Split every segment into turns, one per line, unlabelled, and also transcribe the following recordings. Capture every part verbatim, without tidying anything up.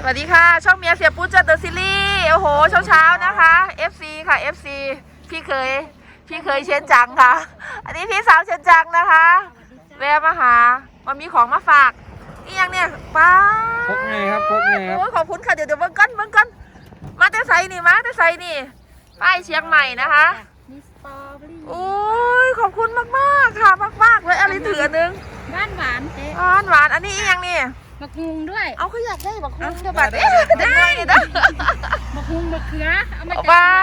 วัสดีค่ะช่องเมียเสียปุ๊จัดเดอะซีรีส์โอ้โหเช้าเช้านะคะ เอฟ ซี ค่ะ เอฟ ซี พี่เคยพี่เคยเชนจังค่ะอันนี้พี่สาวเชนจังนะคะแวะมาหามามีของมาฝากนี่ยังเนี่ยป้า
พกไงครับพกไงครับ
โอ้ขอบคุณค่ะเดี๋ยวเดี๋ยวเบิ้งก้อนเบิ้งก้อนมาแต่ไซนี่มาแต่ไซนี่ป้ายเชียงใหม่นะคะ
มีสตรอเบอรี่
โอ้ยขอบคุณมากมากค่ะมากมากเลยอะไรถือนึง
หวานหวานเจ๊
หวานหวานอันนี้ยังนี่
มะกรูดด้วย
เอาเขาอยากได้มะกรูดเดี๋ยวบัดเอ๊ะได้เด้อ
มะกรูดมะเขือเอามาจาก
บ้าน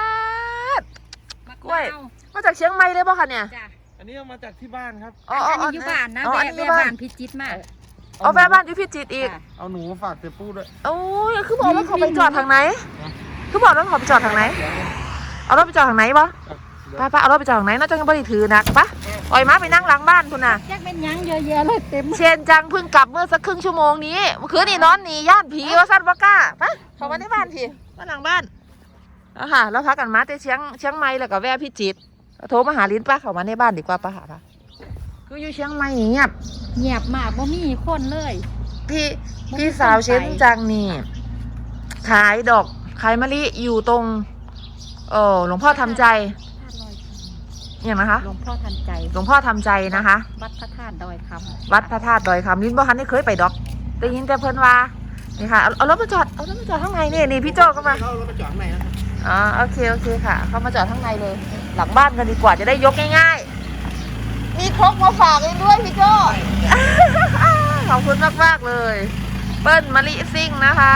กล้วย
มาจากเชียงใหม่เลยป่ะคะเนี่ย
อันนี้เอามาจากที่บ้านครับ
อ๋ออันนี้อยู่บ้านนะแม่บ้านพิจิตรมาก
เอาแม่บ้านอยู่พิจิตรอีก
เอาหนูมาฝากเจ๊ปูด้วย
โอ้ยคือบอกว่าเขาไปจอดทางไหนคือบอกว่าเขาไปจอดทางไหนเอารถไปจอดทางไหนป่ะป้าป้าเอารถไปจอดทางไหนน่าจะยังไม่ได้ถือนักปะปล่อยม้าไปนั่งหลังบ้านคุณน่ะ
แยกเป็นยังเยอะแยะเลยเต็ม
เชนจังเพิ่งกลับเมื่อสักครึ่งชั่วโมงนี้เมื่อคืนนี่นอนหนีย่านผีว่าสั้นว่าก้าปะเขามาในบ้านพี่มาหลังบ้านอ่ะค่ะแล้วพักกันมาแต่เชียงเชียงใหม่แล้วก็แวะพิจิตรโทรมาหาลิ้นป้าเขามาในบ้านดีกว่าป้าหาป้าคืออยู่เชียงใหม่เงียบ
เงียบมากบ่มีคนเลย
พี่พี่สาวเชนจังนี่ขายดอกขายมะลิอยู่ตรงเออหลวงพ่อทำใจอย่างนะคะ
หลวงพ่อทันใจ
หลวงพ่อทำใจนะคะ
วัดพระธาตุดอยคำ
วัดพระธาตุดอยคำลิ้นบ่ทันได้เคยไปดอกได้ยินแต่เพิ่นว่านี่ค่ะเอารถมาจอดเอารถมาจอดข้างในนี่นี่พี่โจก็มา
เอารถมาจอดข้างในนะ
อ๋อโอเคโอเคค่ะเขามาจอดข้างในเลยหลังบ้านกันดีกว่าจะได้ยกง่ายๆมีครกมาฝากเองด้วยพี่โจขอบคุณมากมากเลยเปิ้ลมะลิซิ่งนะคะ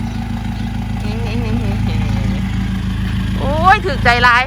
โอ้ยถึกใจร้าย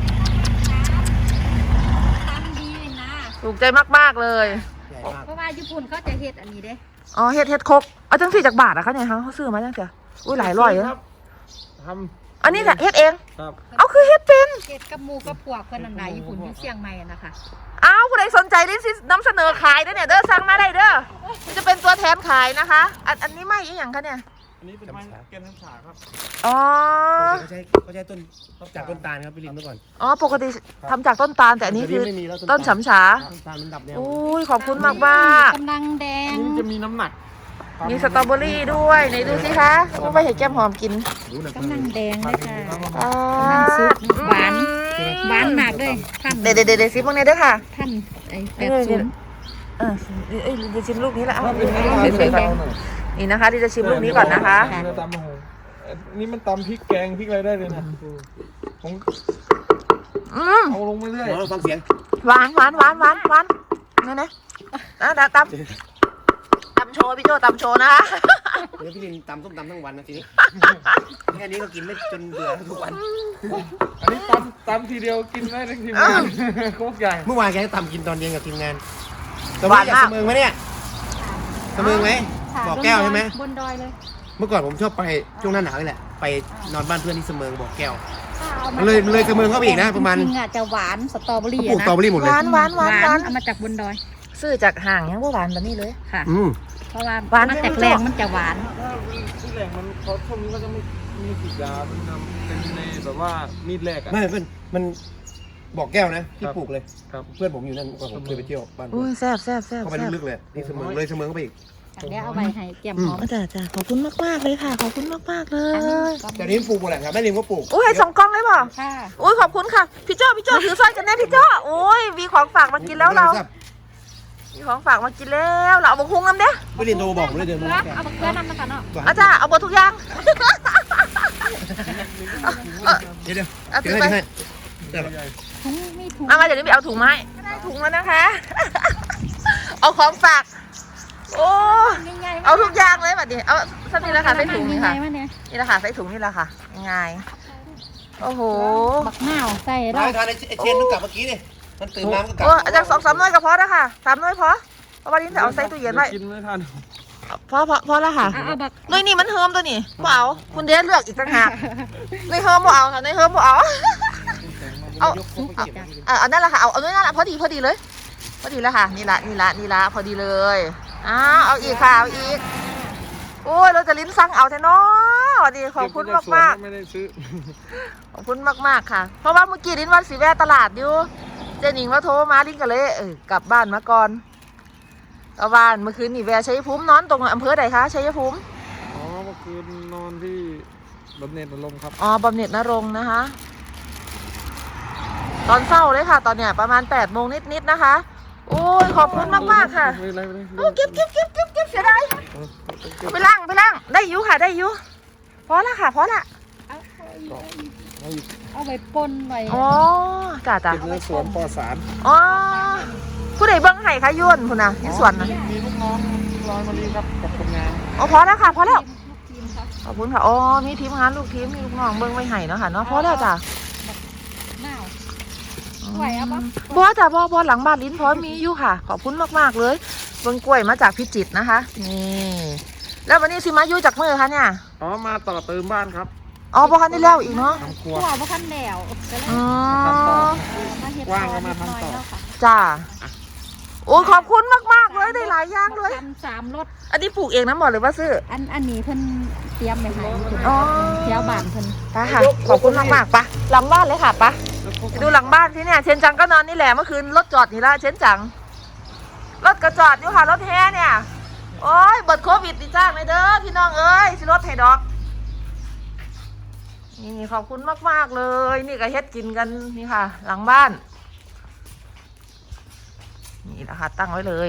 ถูกใจมากๆเลย
เพราะว่าญี่ปุ่นเขาจะเฮ็ดอันนี้เด้
อ๋อเฮ็ดเฮ็ดครกเอาจังสี่จากบาทอะคะเนี่ยเขาซื้อมาจังเสียอุ้ยหลายร้อยเลย
ท
ำอันนี้แหละเฮ็ดเอง
ครับ
เอาคือเฮ็ดเป็น
เฮ็ดกับหมูกับพวกเพิ่นอันไหนญี่ปุ่นอยู่เชียงใหม่นะคะ
อ้าวผู้ใดสนใจได้สินำเสนอขายได้เนี่ยเด้อสั่งมาได้เด้อจะเป็นตัวแทนขายนะคะอันอันนี้ไม่อีหยังคะเนี่ย
อันนี้เป็นไม้แกนน้ำฉาครับ
อ๋อ
เขาใช้เขาใช้ต้นจากต้นตาลครับพี่ลินเมื่อก่อน
อ๋อปกติทำจากต้นตาลแต่อันนี้คือต้นฉำฉา
ต้นตาลมันดับแนว
อุ้ยขอบคุณมากมาก
กำลังแดง
นี่จะมีน้ำหนัก
มีสตรอเบอรี่ด้วยไหนดูสิคะต้องไปเห็ดแก้มหอมกิน
กำลังแดงเลยค่ะ
อ๋อก
ำลังซุปหวานหวานมากเลยท่าน
เดี๋ยวเดี๋ยวเดี๋ยวซิพวกนี้ด้วยค่ะ
ท่านไอ้แปดศูนย์
เออเอ้ยจะชิมลูกนี้ละนี่นะคะที่จะชิมลูกนี้ก่อนนะคะ
นี่มันตำพริกแกงพริกอะไรได้เลยนะผมเอาลงไปเรื่อย
เราฟังเสียง
หวานหวานหวานหวานหวานนี่นะนะตำตำโชว์พี่โจตำโชว์นะคะ
เดี๋ยวพี่ลินตำส้มตำทั้งวันนะทีนี้แค่นี้ก็กินไม่จนเบื่อทุกวัน
อันนี้ตำตำทีเดียวกินได้ทั้งทีมงานโคกใหญ่
เมื่อวานแกตำกินตอนเย็นกับทีมงานสมัยอยากเสมอไหมเนี่ยเสมอไหมบอกแก้วใช่ไหม
บนดอยเลย
เมื่อก่อนผมชอบไปช่วงหน้าหนาวนี่แหละไปนอนบ้านเพื่อนที่เสมอบอกแก้วมันเลยเลยเสมอเข้าไปอีกนะประมาณ
จริงๆอ่ะจะหวานสตรอเบอรี่
ปลูกสตรอเบอรี่หมดเลย
หวานหวานหวานหวาน
เอามาจากบนดอย
ซื้อจากห่างยังว่าหวานแบบนี้เลย
ค่ะ
อืม
เพราะว่ามันจากแรงมันจะหวาน
ที่แรงมันเขาช่วงนี้ก็จะไม่มีฉีดยาเป็นเป็นในแบบว่ามีดแรกอ่ะ
ไม่มันมันบอกแก้วนะที่ปลูกเลยเพื่อนผมอยู่นั่นผมเคยไปเที่ยวบ้าน
อุ้ยแซ่บแซ่บแซ่บ
เข้าไปลึกๆเลยนี่เสมอเลยเสมอเข้าไปอีก
เดี๋ยวเอาไปให้แก้มหอม
จ้าจ้าขอบคุณมากมากเลยค่ะขอบคุณมากมากเลย
แต่นี้ปลูกหมดแหละครับแม่ริมก็ปลูก
อุ้ยให้สองกล้องเลยป่ะ
ค่ะ
อุ้ยขอบคุณค่ะพี่โจ้พี่โจ้ถือสร้อยกันแน่พี่โจ้โอ้ยมีของฝากมากินแล้วเรามีของฝากมากินแล้วเราเอาบะคุ้งน้ำเด้
แม่ริมโทรบอกเลยเดี๋ยว
เอาบะเขือน้ำนะคะเนาะ
อาจารย์เอาบะทุกอย่าง
เดี๋ยวเดี๋ยวเดี๋ยวให้ให้
ถุงมีถุง
มาเดี๋ยวนี้ไปเอาถุงมาให้ได้ถุงแล้วนะคะเอาของฝากโอ้เอาทุกอย่างเลยแบบนี้เอาสักนิดละค่ะใส่ถุงนี่ค่ะนี่ละค่ะใส่ถุงนี่ละค่ะง่ายโอ้โห
บักหน้าวใส่
ได้ทานไอเชนมันกลับเมื่อกี้นี่มันตื่นมามันกลับ
โอ้อาจารย์สองสามน้อยก็พอแล้วค่ะสามน้อยพอเพราะวันนี้จะเอาใส่ตู้เย็นไว้
กินไม่ทัน
พอพอพอแล้วค่ะน้อยนี่มันเฮิมตัวนี้บ่เอาคุณเดชเลือกอีกต่างหากในเฮิมบ่เอาค่ะในเฮิมบ่เอาเอาเอานั่นแหละค่ะเอาเอานั่นแหละพอดีพอดีเลยพอดีแล้วค่ะนี่ละนี่ละนี่ละพอดีเลยอ้าวเอาอีกค่ะเอาอีกโอ้ยเราจะลิ้นสั่งเอาแท้เนาะสวัสดีขอบคุณมากมาก
ไม่ได้ซื้อ
ขอบคุณมากมากค่ะเพราะว่าเมื่อกี้ลิ้นวันสีแวะตลาดอยู่เจนิงว่าโทรมาลิ้นกันเลยเออกลับบ้านมาก่อนเอาบ้านเมื่อคืนนี่แวะชัยภูมินอนตรงอำเภอใดคะชัยภูมิ
อ๋อเมื่อคืนนอนที่บำเหน็จนรงค์ครับ
อ๋อบำเหน็จนรงค์นะคะ ตอนเศร้าเลยค่ะ ตอนเนี้ยประมาณแปดโมงนิดๆนะคะ โอ้ยขอบคุณมากๆค่ะ
ไม่เป็นไรไม่เป็นไร
โอ้เก็บเก็บเก็บเก็บเก็บเสียดายเอาไปล้างไปล้างได้อยุค่ะได้อยุพอละค่ะพอละ
เอา
เอาอีก
เอาไปปนไว้
อ๋อจ้าจ้า
เป็นเนื้อสวนปลอดสาร
อ๋อผู้ใดเบิ้งไห้คะยุ่นคุณนะที่สวนนะ
มีลูกน้องร้อยมารีครับกับคนงาน
อ๋อพอแล้วค่ะพอแล้ว
ลูกทีมครับ
ขอบคุณค่ะอ๋อมีทีมงานลูกทีมมีลูกน้องเบิ้งไว้ไห้เนาะค่ะเนาะพอแล้วจ้า
หน้าไหวเอาปะ
บัวจ้าบัวบัวหลังบ้านลิ้นพร้อมมีอยู่ค่ะ ขอบคุณมากๆเลยเบิ้งกล้วยมาจากพิจิตรนะคะนี่แล้ววันนี้สิมาอยู่จากเมื่อคะเนี่ย
อ๋อมาต่อเติมบ้านครับ
อ๋อบ่คันได้แล้วอีกเนาะ
ทำครัว
ตัวว่าขั้นแล้วก็เลย
อ๋อ
มาเฮ็ด
ว่างก็มาทำต่อ
แล้วค่ะ
จ้าโอ้ขอบคุณมากๆเลยได้หลายอย่างเลย
ทำสามรถ
อันนี้ปลูกเองนะหมดหรือว่าซื้อ
อันอันนี้เพิ่นเตรียมไปให้
อ๋อ
เที่ยวบ้านเพิ่น
ไปค่ะ ขอบคุณมากมากๆปะหลังบ้านเลยค่ะปะไปดูหลังบ้านที่เนี่ยเชนจังก็นอนนี่แหละเมื่อคืนรถจอดนี่ละเชนจังรถกระจอดอยู่ค่ะรถแฮเนี่ยโอ้ยเบิดโควิดดีจ้างเลยเด้อพี่น้องเอ้ยสิรถให้ดอกนี่ขอบคุณมากมากๆเลยนี่ก็เฮ็ดกินกันนี่ค่ะ หลังบ้านนี่นะคะตั้งไว้เลย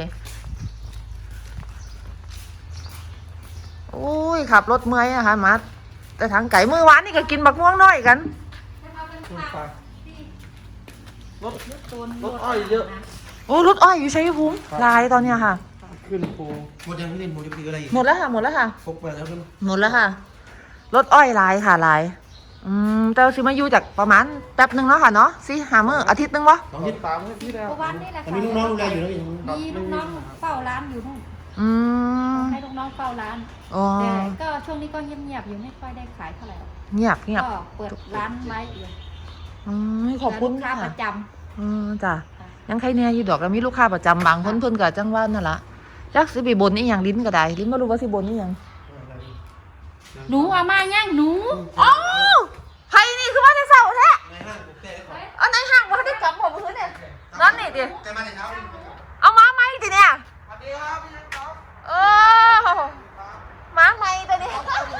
โอ้ยขับรถเมื่อยนะคะมาแต่ทางไก่มือหวานนี่ก็กินบักม่วงน้อยกัน
คุณฟ้า รถรถอ้อยเยอะ
โอ้รถอ้อยอยู่ชัยภูมิลายตอนเนี้ยค่ะ
ขึ้นภู
หมดยังพี่เล่นหมดจะคืออะไรอีก
หมดแล้วค่ะหมดแล้วค่ะ
พกไปแล้วกัน
หมดแล้วค่ะ รถอ้อยลายค่ะลายอืมแต่สิมาอยู่จากประมาณแป๊บหนึ่งเนาะค่ะเนาะสิหามื้ออาทิตย์หนึงวะ
สอง
ติ
ทิศ
ดตามให้พี่แล้ว
เพราะวันนี้แหละ
แต่มีลูกน้องดูแลอยู่แล้วอย่างนี้
มีลูกน้องเฝ้าร้านอยู่นู่น
อืม
ให้ลูกน้องเฝ้าร้าน
อ๋อ
แต่ก็ช่วงนี้ก็เงียบๆอยู่ไม่ค่อยได้ขายเท่าไหร่หรอก
เงียบเงียบ
ก็เปิดร้านไว้อยู่
อืมขอบคุณ
ลูกค้า
ค่ะ
ประจ
อืมจ้ะ
ำค่ะ
ยังใครเนี่ยอยู่ดอกแล้วมีลูกค้าประจำบางคนเพิ่นก็จังว่านั่นล่ะจักสิไปบนนี่หยังลิ้นก็ได้ลิ้นบ่รู้ว่าสิบนนี่หยัง
หนูเอามาย่างหนู
อ๋อไผนี่คือว่าได้เศร้าแท้อันไหนห่างบ่ได้กลับบ่มื้อเนี่ยนั่นนี่ติ
แต่มาแต่เช้า
เอามาไหมติเนี่ย
สวัสดีครับพี่ยังครับ
เออมาไหมตัวนี้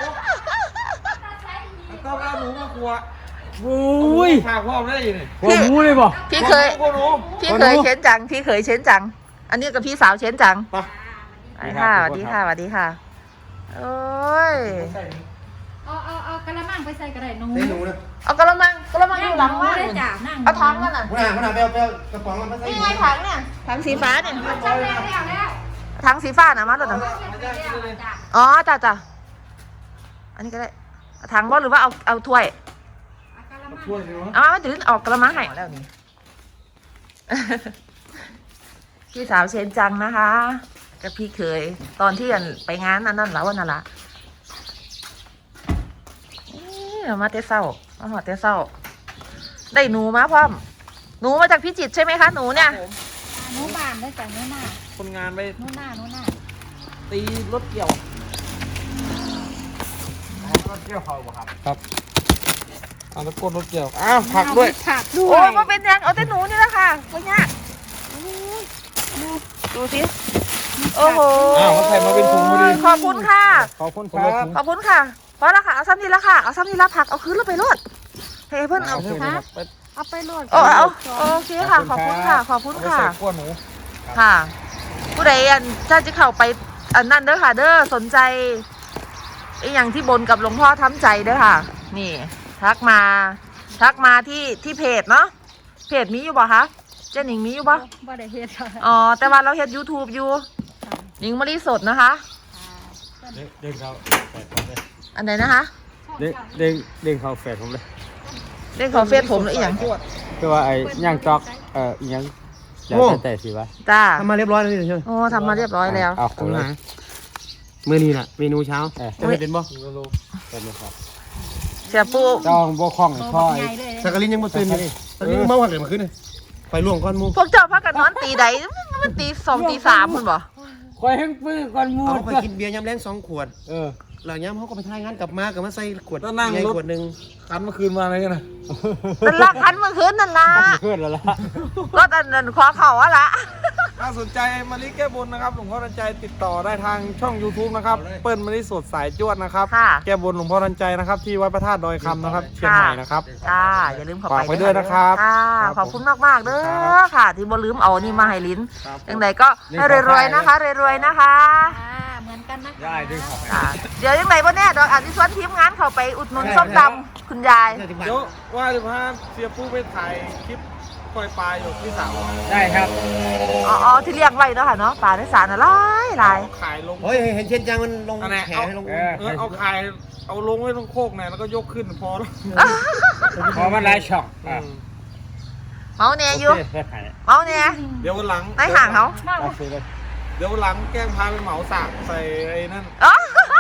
แล้วก็เอาหนูมากลัว
โอ้ย
ฝากพ่อได้ยังไง
หัวหมูเลยบ่
พี่เคย
กลัวหนู
พี่เคยเช้นจัง พี่เคยเช้นจัง อันนี้กับพี่สาวเช้นจัง
ไป
ไปค่ะสวัสดีค่ะสวัสดีค่ะโอ้ย
เอาเอาเอากระมังไปใส่กระไรหนู
เต้หนูนะ
เอากระมังกระมังอยู่หลังบ้าน
ได้
นู่น
จ่านั่ง
เอาถังมันอ่ะ
หัวหน้าหัวหน้าไปเอาไปเอากระป๋องมันมาใส่
นี่ไงถังเนี่ยถังสีฟ้าเนี่ย
ใช่แล้วแล้วแล้ว
ถังสีฟ้านะมาตัวหนึ่ง
จ่า
อ๋อจ้ะจ้ะอันนี้ก็ได้เอาถังบ่หรือว่าเอาเอาถ้วย
เอากระมัง
ช่วยสิวะ
เอามาไม่ถึงออกกระมังให้แล้วนี่ พี่สาวเชนจังนะคะกับพี่เคย ตอนที่อันไปงานอันนั้นแล้ววันนั้นละนี่มาเตเศร้ามาหอดเตเศร้า ได้หนูมาพร้อม หนูมาจากพิจิตรใช่ไหมคะหนูเนี่ย
หนูบานได้จ่าหนูหน้า
คนงานไป
หนูหน้าหนูหน้า
ตีรถเกี่ยว
รถเกี่ยวเขาบ่ครับ
ครับเอาตะโกนรถเกี่ยว อ้าวผักด้วย
ผักด้ว
โอ้
ย
มาเป็นยังเอาแต่หนูนี่แหละค่ะไม่ยากดูสิโอ้โห
อ้าวเขาใส่มาเป็นถุงพอดี
ขอบคุณค่ะ
ขอบคุณครับ
ขอบคุณค่ะพอแล้วค่ะเอาซ้ำนี่ละค่ะเอาซ้ำนี่ละผักเอาคืนแล้วไปรดเฮ้ยเพื่อนเอา
เอาไปไป
เอาไปโหลด
โอ้เอาโอเคค่ะ ขอบคุณค่ะ ขอบคุณ
เอาไป
ค่ะ
ใส่ขั้วหนู
ค่ะ ผู้ใดอันถ้าจะเข้าไปอันนั่นเด้อค่ะเด้อสนใจไอ้อย่างที่บนกับหลวงพ่อทำใจเด้อค่ะ นี่ ทักมา ทักมาที่ที่เพจเนาะเพจมีอยู่บ่คะเจ้าหนิงมีอยู่บ่
บ่ได้เฮ็ดค่ะ
อ๋อแต่ว่าเราเฮ็ด YouTube อยู่หนิงมะลิสดนะคะ
เด้งเด้งเขาแฝดผมเลย
อันไหนนะคะ
เด้งเด้งเด้งเขาแฝดผมเลย
เรื่องของเฟซผมหรืออหย่าง
คือว่าไอ้ย่างจอกเอ่ออีหยังแล้วแต่แต่สิวะ
จ้า
ทำมาเรียบร้อยแล้วนี่ใช่ไหม
โอ้ทำมาเรียบร้อยแล้ว
เอา
คุ
คุณ ณ
ห
เล
มาย เมื่อนี้น่ะเมนูเช้า
เออ
จะไม่เป็นบ่
เป็นไหมครับ
เสียปู
จองบ่คล่อง
โต
พ่อ
บัก
ไอ้
ใหญ่เลย
สักกะลินยังบ่ตื่นเลยสักกะลินเมาหัดเลยมาขึ้นเลยไปล่วงก้อนหมู
พวกเจ้าพักกันนอนตีใดมันตีสองตีสามคุณบ่
คอยแห้งปื้อก่อนหมู
เอาไปกินเบียร์ยำแรงสองขวด
เออ
หลังย้ำเขาก็ไปทายงานกลับมากลับมาใส่ขวด
แล้วนั่ง
ใหญ่
รถ
ขวดหนึ่ง
คันเมื่อคืนมาอะไรกันนะ
เป็นลักคันเมื่อคืนนั่นล่ะ
เพื่อนแล้วล่ะ
รถอันนั้นขอเข่าอะละ
ถ้าสนใจมะลิแก้บนนะครับหลวงพ่อทันใจติดต่อได้ทางช่อง YouTube นะครับเปิ้ลมะลิสดสายจวดนะครับ
ค่ะ
แก้บนหลวงพ่อทันใจนะครับที่วัดพระธาตุดอยคำนะครับเชียงใหม่นะครับ
จ้าอย่าลืมเข้าไป
ฝากไว้ด้วยนะครับ
ค่ะ
ครับ
ขอบคุณมากๆเด้
ครั
อบ ค่ะ ที่บ่ลืมเอานี่มาให้ลิ้น
ครับ
อย่างไรก็ให้รวยๆนะคะรวยๆนะคะ
อ่าเหมือนกันนะคะ
ได้ด้วยครับ
ค่ะเดี๋ยวยังไงบ่แน่ดอกอาจจะชวนทีมงานเข้าไปอุดหนุนส้มตำคุณยาย
เดี๋ยวว่าจะพาเสียปูไปถ่ายคลิปปล่อยปลาอยู่ที่สาว
ได้ครับ
อ๋ออ๋อที่เลี้ยงไว้เนาะค่ะเนาะปลาในสารน่ะหลายหลาย
ขายลง
เฮ้ยเห็นเชนจังมันลง
อันไหน
แข
เอา
ให้ลง
เออ
เออเอาขายเอาลงไว้ตรงโคกเนี่ยแล้วก็ยกขึ้นพอแล้ว
พอมันหลายช่องอ่ะ
เมาแน่อยู่
โเคได้ขาย
เมาแน่
เดี๋ยววันหลัง
ในห่างเขา
เอาซื้อเลย
เดี๋ยววันหลังแกล้งพาไปเหมาสากใส่ไอ้นั่น
อ๋อ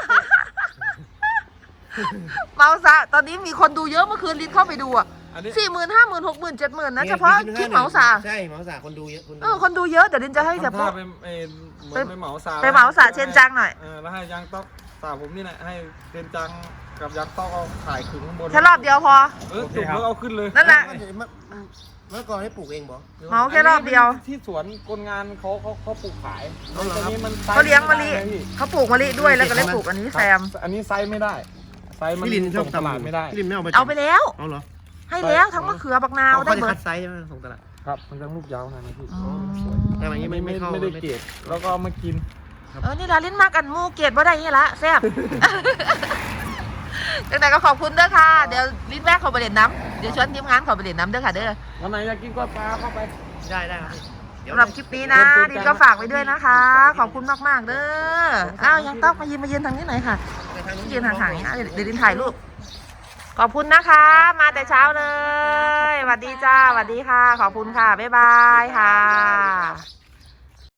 เมาซะตอนนี้มีคนดูเยอะเมื่อคืนลิ้นเข้าไปดูอ่ะ
อันนี้
สี่หมื่นห้าหมื่นหกหมื่นเจ็ดหมื่นนะเฉพาะคลิปเหมาสา
ใช่เหมาสาคนดูเยอะคนดู
เออคนดูเยอะเดี๋ยวลินจะให้เสีย
ทำ
ปุ๊
ท่าไปเอ่อเหมือนไปเหมาสาก
ไปเหมาสาเชนจังหน่อย
เออแล้วให้ยางต๊อกสาวผมนี่แหละให้เชนจังกับยางต๊อกเอาขายขึงข้างบน
แค่รอบเดียวพอ
เออจุกแล้วเอาขึ้นเลย
นั่นแหละ
เมื่อก่อนให้ปลูกเองบ่
เหมาแค่รอบเดียว
ที่สวนคนงานเขาเขาเขาปลูกขาย
เอาเหรอ
อันนี้มันไซส์
เขาเลี้ยงมะลิ
ไได้พี่
เขาปลูกมะลิด้วยแล้วก็เลยปลูกอันนี้แซม
อันนี้ไซส์ไม่ได้ไซส์มัน
พี่ลินชอบ
ส่งตลาดไม่ได้
พี่ลินไม่เอาไป
เอาไปแล้ว
เอาเหรอ
ให้แล้วทั้งมะเขือบักนาว
เขา
ได้
จะ
เบิ
คั
ด
ดไซส์ใช่ไหมส่งตลาด
ครับมันจะลูกยาวนะนะพี่
อืม
แต่แบบนี้ไม่
ไม่
ไม่
ไม่
เข้า
ไม่ได้เกรดแล้วก็เอามากิน
เออนี่ละลิ้นมากอันหมูเกตบ่ได้นี่ละแซ่บ จังไหนก็ขอบคุณเด้อค่ะ เดี๋ยวลิ้นแวะเขาไปเล่นน้ำเดี๋ยวชวนทีมงานเขาไปเล่นน้ำเด้อค่ะเด้อ
วันไหนอยากกินก็ปลาเข้าไป
ได้ได้ครับเดี๋ยว
สำหรับคลิปนี้นะดินก็ฝากไว้ด้วยนะคะ ขอบคุณมากๆเด้ออ้าวยังต้องมายืนมายืนทางนี้หน่อยค่ะยืนห่างๆนี้นะเดี๋ยวเดี๋ยวดินถ่ายรูปขอบคุณนะคะ มาแต่เช้าเลยสวัสดีจ้าสวัสดีค่ะ ขอบคุณค่ะบ๊ายบายค่ะ